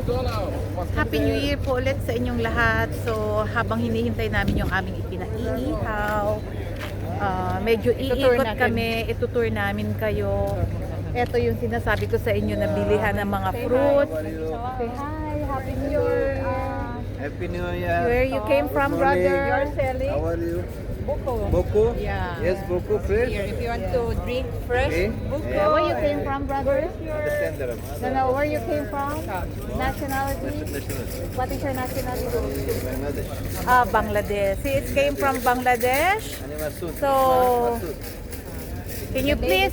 Happy New Year po ulit sa inyong lahat. So, habang hinihintay namin yung aming ipinaiihaw, medyo iikot kami, itutour namin kayo. Ito yung sinasabi ko sa inyo na bilihan ng mga fruits. Say hi, Happy New Year. Happy New Year. Where you came from, brother? You're selling How are you? buko. Boko? Yeah. Yes, Boko fresh. Here, if you want to drink fresh Okay. buko. Yeah. Where you came from, brother? Understand that. No, where you came from? Nationality? What is your nationality? Bangladesh. Bangladesh. See, it came from Bangladesh. Ani Masood. So, Masood. can you please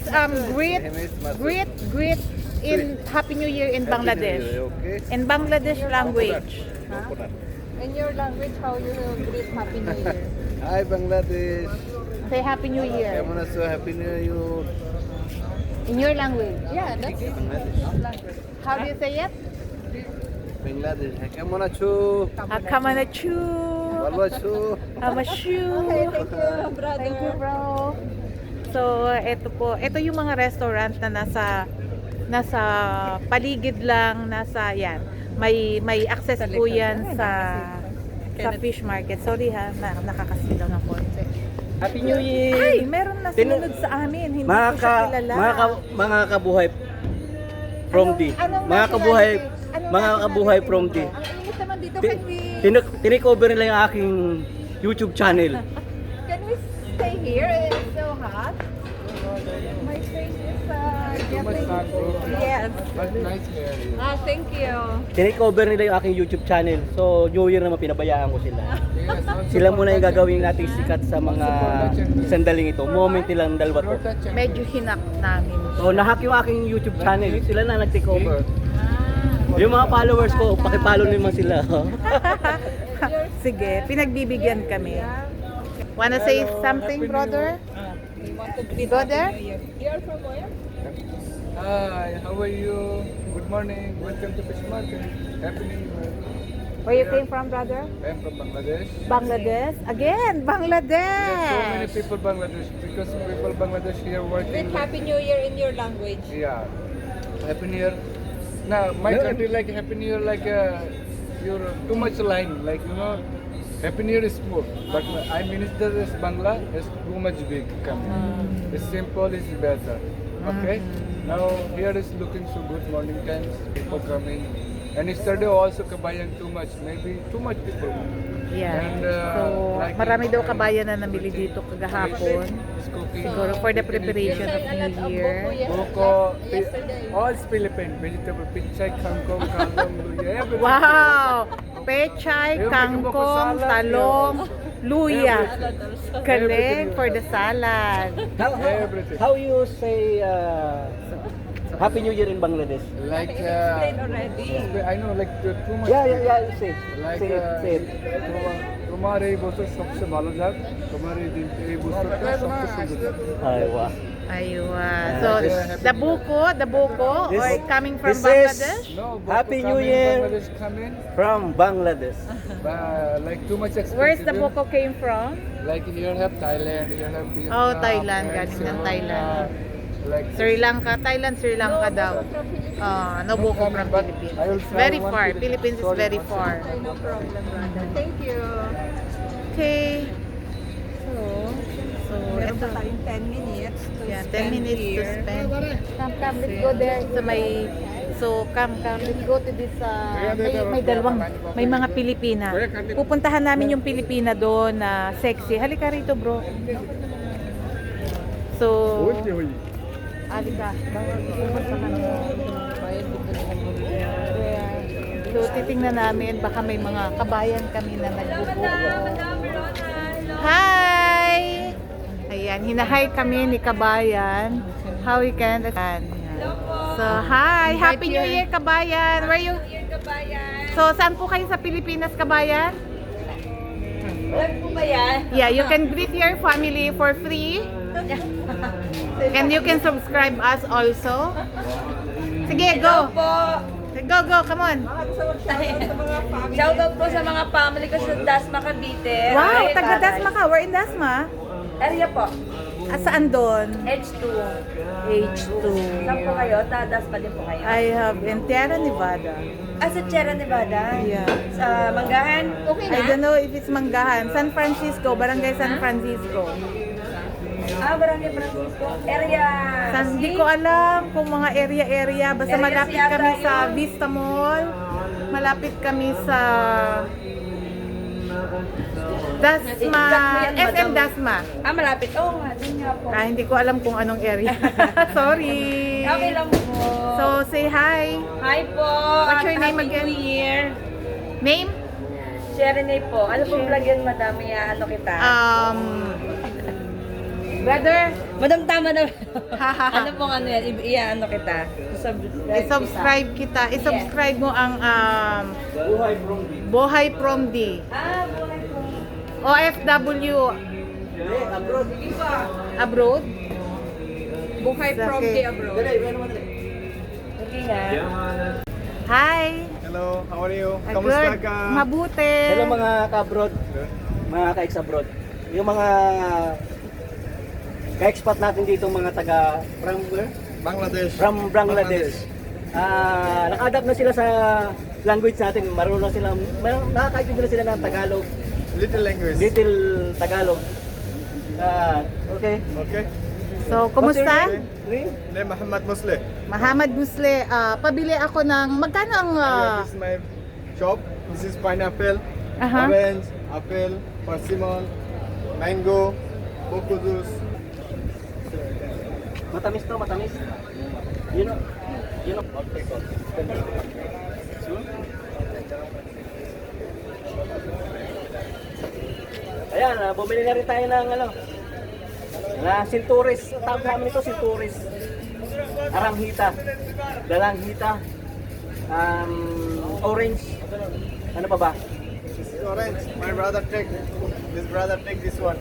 greet in Happy New Year in Bangladesh? Okay. In Bangladesh language. Coconut. In your language, how you will greet Happy New Year? Hi Bangladesh. Say Happy New Year I'm so happy New Year. in your language. Yeah, that's Bangladesh. language. How do you say it? Bangladesh. কেমন আছো? Akamanachu. ভালো আছো? Amashu. Okay, thank you, brother. Thank you, bro. So, ito yung mga restaurant na nasa paligid lang, yan. May access po yan sa fish market. Sorry ha, nakakasilaw ng konti. Happy New Year! Ay, meron na sinunod sa amin. Hindi Mga ko siya kilala. mga kabuhay from D. Mga kabuhay, mga kabuhay from D. Ang init naman dito, Ti- Tinikover nila yung aking YouTube channel. can we stay here? It's so hot. My face is getting... Yes. Thank you. Tinikover nila yung aking YouTube channel. So, New Year naman pinabayaan ko sila. Sila muna yung gagawin nating sikat sa mga sandaling ito. Moment nilang dalawa to. Medyo hinak namin. So, nahack yung aking YouTube channel. Sila na nag-take over. Yung mga followers ko, pakipollow naman sila. Sige, pinagbibigyan kami. Wanna say something, brother? We want to greet Go Happy there? New Year. You are from where? Hi, how are you? Good morning. Welcome to Fish Market. Happy New Year. Where you came from, brother? I am from Bangladesh. Bangladesh? Again, There's so many Bangladesh! people Bangladesh because people Bangladesh here working. Greet Happy New Year in your language. Yeah. Happy New Year. Now my country like Happy New Year like you're too much line like Happy New Year is small, but I minister is Bangla is too much big coming. It's simple is better. Okay. Now here is looking so good morning times people coming. And yesterday also kabayan too much, maybe too much people. Yeah. And, So, like marami daw kabayan na namili dito kagahapon. is cooking. Siguro for the preparation of New Year. Boko, all Philippine vegetable, pinchay, kangkong, luya, everything. Wow! Pechay, kangkong, talong, luya. Galing for the salad. Everything. How you say Happy New Year in Bangladesh? Like, Explain already. I know, like too much. Yeah, say. Like, Say it. তোমার এই বছর সবচেয়ে ভালো যাক, তোমার এই বছরটা সবচেয়ে সুন্দর যাক। Ay, wow. Aywa. So, the buko, or coming from this is- Bangladesh? No, Happy Boko New coming, Year. Bangladesh coming, From Bangladesh. like too much expensive. Where's the buko came from? Like here have Thailand, here have Vietnam. Oh, Thailand, and galing ng Ceylon, Thailand. Like Sri Lanka, Thailand, Sri Lanka daw. No buko from But Philippines. I will It's try very one far. Philippines. Philippines is Sorry, very one far. Okay, no problem, brother. Thank you. Okay. So Meron ito. pa tayong 10 minutes to Yeah, 10 spend minutes to here. spend. Come, let's go there. Come, let's go to this, may mga Pilipina. Pupuntahan namin yung Pilipina doon na sexy. Halika rito, bro. So, halika. Pupunta kami. So, titingnan namin, baka may mga kabayan kami na nagbubuko. Hi! Ayan, hinahay kami ni kabayan. How we can... So, hi! Happy New Year, kabayan! Where you... So, saan po kayo sa Pilipinas, kabayan? Alam po ba yan? Yeah, you can greet your family for free. And you can subscribe us also. Sige, go! Go, come on! Shoutout po sa mga family ko sa Dasma, Cavite. Wow, Ay, taga tatay. Dasma ka. We're in Dasma. Area po. Saan doon? H2. H2. Saan po kayo? Dasma din po kayo. I have in Tierra Nevada. Sa Sierra Nevada? Yeah. Sa Manggahan? Okay I don't know if it's Manggahan. San Francisco, Barangay San Francisco. Barangay Francisco. Area Hindi ko alam kung mga area. Basta Area malapit yata kami sa yun. Vista Mall. Malapit kami sa Dasma, Exactly yan, SM madam. Dasma. malapit. Oo nga, dun nga po. Hindi ko alam kung anong area. Sorry. Okay lang po. So, say hi. Hi po. What's your at name Happy again? New Year. Name? Sherene po. Ano pong vlog yan, madam? Ano kita? Brother, Madam, tama na. Ano pong ano yan? Ano kita? i-subscribe kita. I-subscribe mo ang Bohay From D. Buhay po. OFW abroad. Buhay from Okay. the abroad. Okay nga. Hi. Hello, how are you? Good. Mabuti. Hello mga ka-abroad, mga ka-ex-abroad. Yung mga ka-expat natin dito, mga taga from where? Bangladesh. From Bangladesh. Naka-adapt na sila sa language natin. Marunong sila, nakakaintindi na sila ng Tagalog, Little language. little Tagalog. Okay. Okay. So, kumusta? Name? Name Muhammad Musle. Muhammad Busle, pabili ako ng magkano ang This is my shop. This is pineapple, Aha. orange, apple, persimmon, mango, coco juice. Matamis to, matamis. You know. Ayan, bumili na rin tayo ng sinturis. Tawag namin ito, sinturis. Aranghita. Dalanghita. Orange. Ano pa ba? This is orange. My brother take. This brother take this one.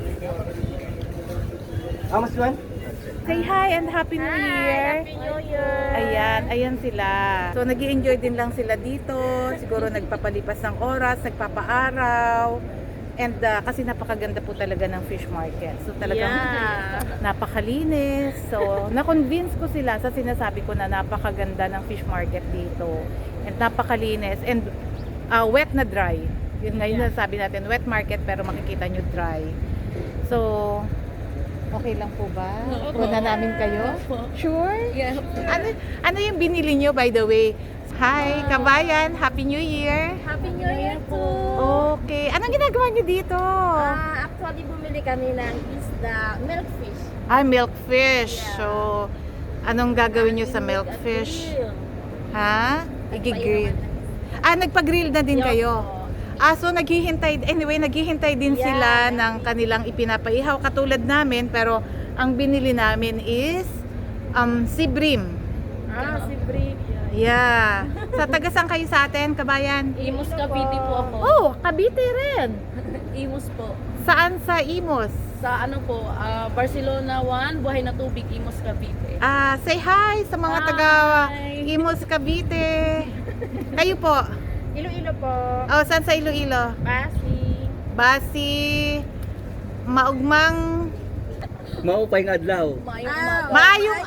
How much one? Say hi and Happy New Year. Happy New Year. Ayan sila. So, nag-i-enjoy din lang sila dito. Siguro nagpapalipas ng oras, nagpapaaraw. And kasi napakaganda po talaga ng fish market. So, talagang napakalinis. So, na-convince ko sila sa sinasabi ko na napakaganda ng fish market dito. And napakalinis. And wet na dry. Yun ngayon sabi natin, wet market pero makikita nyo dry. So, okay lang po ba? Una namin kayo? Sure? Yeah. Ano yung binili nyo by the way? Hi, kabayan! Happy New Year! Happy New Year po. Okay. Anong ginagawa nyo dito? Actually, bumili kami ng isda, milkfish. Milkfish. So, anong gagawin nyo sa milkfish? Ha? Igigrill. Nagpa-grill na din kayo? So naghihintay din sila ng kanilang ipinapaihaw katulad namin, pero ang binili namin is sibrim. Si Brie. Yeah. Sa taga saan kayo sa atin, kabayan? Imus Cavite po ako. Oh, Cavite rin. Imus po. Saan sa Imus? Sa ano po, Barcelona 1, Buhay na Tubig, Imus Cavite. Say hi sa mga Hi. taga Imus Cavite. Kayo po? Iloilo po. Saan sa Iloilo? Basi. Maugmang Maupay ng adlaw. Maayong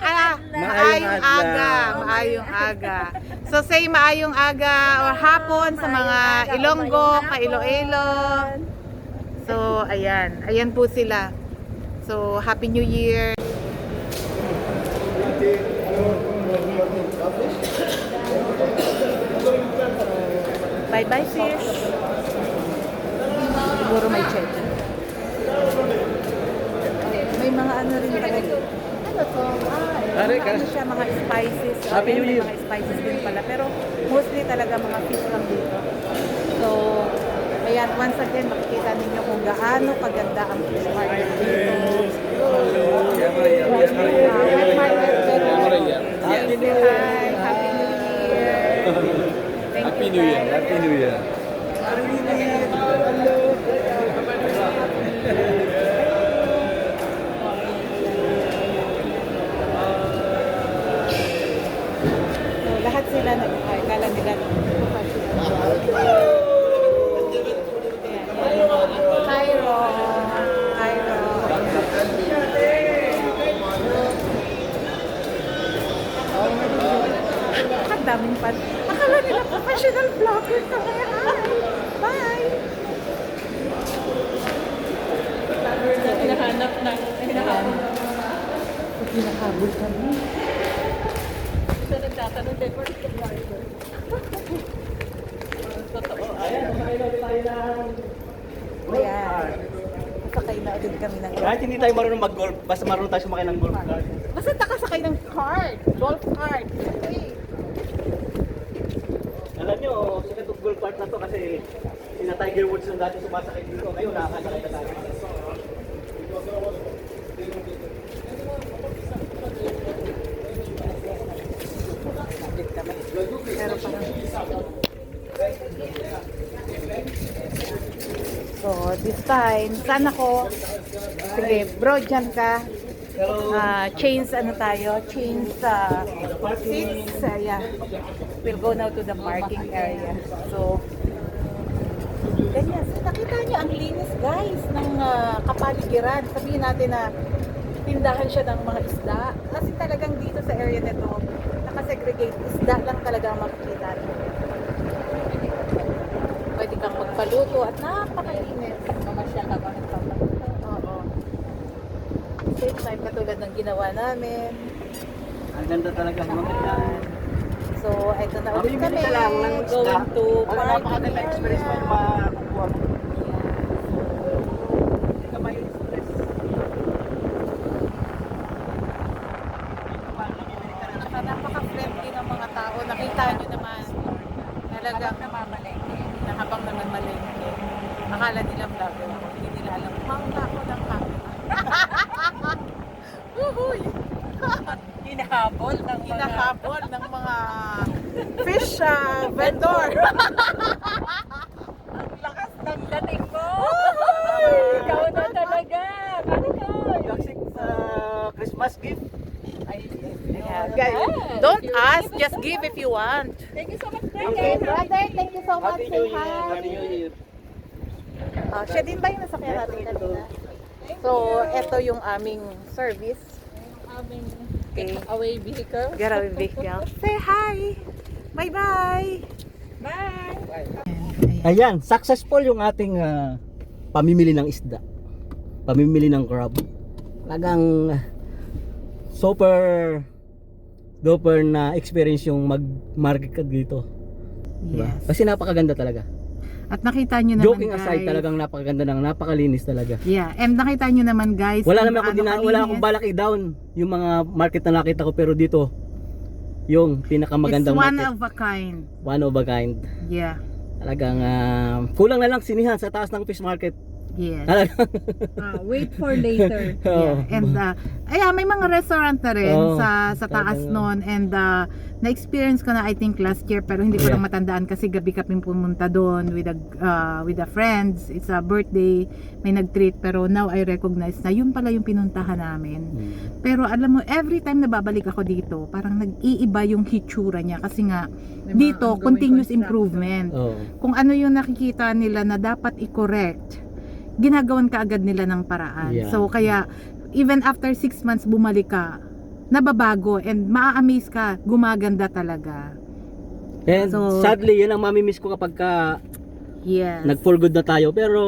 aga. So say maayong aga or hapon sa mga Ilonggo, Iloilo. So ayan po sila. So Happy New Year. Bye bye fish. Siguro may check. May mga ano rin talaga. Ano to? Ano siya, mga spices. Happy New Year. Mga spices din pala. Pero mostly talaga mga fish lang dito. So, ayan, once again, makikita ninyo kung gaano kaganda ang fish market dito. Wet market, pero Happy New Year. hi, Happy New Year. Happy New Year. Happy New Year. So, lahat sila kala nila Cairo. Nakadaming pan. Akala nila professional vlogger kami. Hi! Bye! Hinahanap na. Hinahabol kami. Siya nagtatanong kay Bert the driver. Totoo. Ayan, kumain ulit tayo ng Ayan. Sakay na agad kami ng kahit hindi tayo marunong mag-golf, basta marunong tayo sumakay ng golf cart. Basta nakasakay ng cart. Golf cart. Hey. Alam nyo, sikat yung golf cart na to kasi sina Tiger Woods nung dati sumasakay dito. Ngayon, nakakasakay na tayo. So, this time, saan ako? Sige, bro, dyan ka. Chains, ano tayo? Chains, seats. Yeah. We'll go now to the parking area. So, ganyan. So, nakita nyo, ang linis, guys, ng kapaligiran. Sabihin natin na tindahan siya ng mga isda. Kasi talagang dito sa area nito, nakasegregate, isda lang talaga ang makikita nyo. Pwede kang magpaluto at napakalinis. Mamasyal habang nagpapaluto. Oo. Same time katulad ng ginawa namin. Ang ganda talaga mga yan. So, eto na ulit Mamimili kami. ka lang ng isda. Going to Wala, parking napakaganda experience mo yung area. makukuha mo. Hindi ka ma-stress. Tsaka napaka-friendly ng mga tao. Nakita nyo naman. Talagang na habang naman malengke. Akala nila vlogger ako. Hindi nila alam. Mangga ako ng camera. Uhuy! Hinahabol ng mga... Hinahabol ng mga fish vendor. Ang lakas ng dating mo! Ikaw na talaga! Marikoy! Toxic sa Christmas gift. Yeah, guys, don't ask, just give if you want. Thank you so much, Okay, brother, thank you so much. Happy Say New Year. Happy New hi. Year. Siya din ba yung nasakyan natin kanina? So, eto yung aming service. Aming Okay. away vehicle. Getaway vehicle. Say hi. Bye-bye. Bye! Ayan, successful yung ating pamimili ng isda. Pamimili ng crab. Talagang super duper na experience yung mag-market ka dito. Diba? Yes. Kasi napakaganda talaga. At nakita nyo naman, Joking guys. aside, talagang napakaganda ng napakalinis talaga. Yeah, and nakita nyo naman, guys. Wala kung naman ako gaano wala akong kalinis. balak i-down yung mga market na nakita ko, pero dito yung pinakamagandang It's one market. of a kind. One of a kind. Yeah. Talagang kulang na lang sinihan sa taas ng fish market. Yes. Talagang Wait for later. Oo. Yeah. And may mga restaurant na rin Oo, sa taas talagang- noon, and na-experience ko na I think last year, pero hindi ko Yeah. lang matandaan kasi gabi kami pumunta doon with the friends. It's a birthday, may nag-treat, pero now I recognize na yun pala yung pinuntahan namin. Pero alam mo, every time na babalik ako dito, parang nag-iiba yung hitsura niya kasi nga dito continuous improvement. Oo. Kung ano yung nakikita nila na dapat i-correct, ginagawan ka agad nila ng paraan. Yeah. So kaya even after 6 months bumalik ka, nababago and maa-amaze ka, gumaganda talaga. And So- sadly, yun ang mamimiss ko kapag Yes. nag-for good na tayo. Pero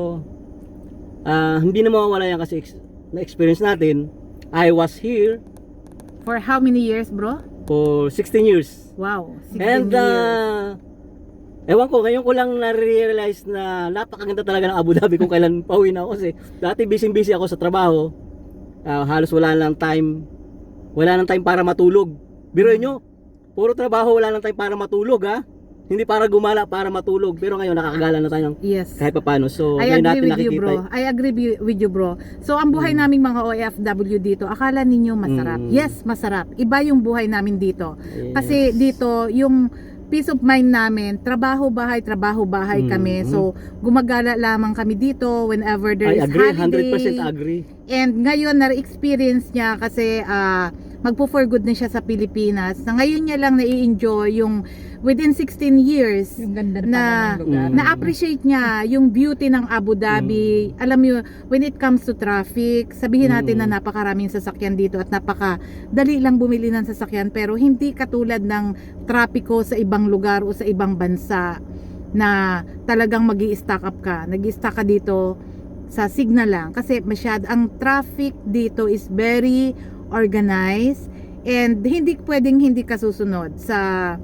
hindi na mawawala yan kasi na-experience natin. I was here For how many years, bro? for 16 years. Wow, 16 And years. ewan ko, ngayon ko lang na-realize na napakaganda talaga ng Abu Dhabi kung kailan pauwi na ako. Kasi dati busy ako sa trabaho. Halos wala nang time para matulog. Biruin nyo, puro trabaho, wala nang time para matulog, ha. Hindi para gumala, para matulog. Pero ngayon nakakagala na tayo ng Yes. kahit paano. So I ngayon agree natin with you, nakikita. bro. I agree with you, bro. So, ang buhay naming mga OFW dito, akala ninyo masarap. Mm. Yes, masarap. Iba yung buhay namin dito. Yes. Kasi dito, yung peace of mind namin, trabaho-bahay kami. Mm. So, gumagala lamang kami dito whenever there I is agree, holiday. 100% agree. And ngayon, na-experience niya kasi magpo-for good na siya sa Pilipinas. Na ngayon niya lang nai-enjoy yung within 16 years Yung ganda na pala ng lugar. na-appreciate niya yung beauty ng Abu Dhabi. Alam mo, when it comes to traffic, sabihin natin na napakaraming sasakyan dito at napakadali lang bumili ng sasakyan, pero hindi katulad ng trapiko sa ibang lugar o sa ibang bansa na talagang magi-stack up ka. Nag-stack ka dito sa signal lang kasi ang traffic dito is very organized and hindi pwedeng hindi ka susunod sa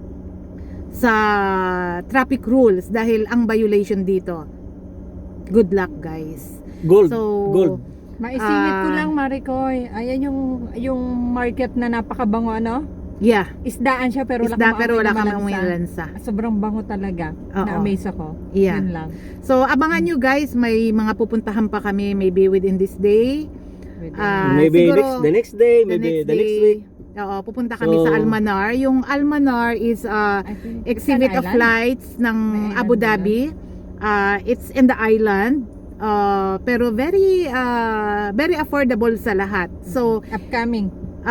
traffic rules dahil ang violation dito. Good luck, guys. Gold. So, Gold. Maisingit ko lang, Maricoy. Ayan yung market na napakabango, ano? Yeah. Isdaan siya pero Isda pero wala kang malansa. umilansa. Sobrang bango talaga. Oo. Na-amaze ako. Yeah. Yun lang. So, abangan nyo guys, may mga pupuntahan pa kami maybe within this day. Maybe Siguro, the next day, maybe the next week. Oo, pupunta kami So, sa Almanar. Yung Almanar is I think it's exhibit an of island. flights ng May Abu island ba Dhabi. It's in the island. Pero very affordable sa lahat. So, Upcoming.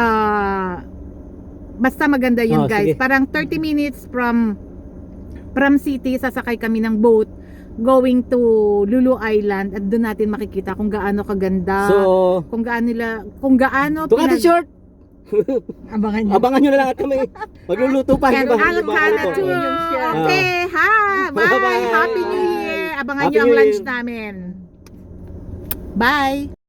basta maganda yun, Oh, guys. sige. Parang 30 minutes from city, sasakay kami ng boat going to Lulu Island at doon natin makikita kung gaano kaganda, So, kung gaano to cut it short, Abangan niyo. abangan nyo na lang at kami. Magluluto pa. And di ba? Alcana Magluluto. too. Okay, ha. Bye. Bye-bye. Happy New Year. Abangan Happy nyo ang New lunch Year. namin. Bye.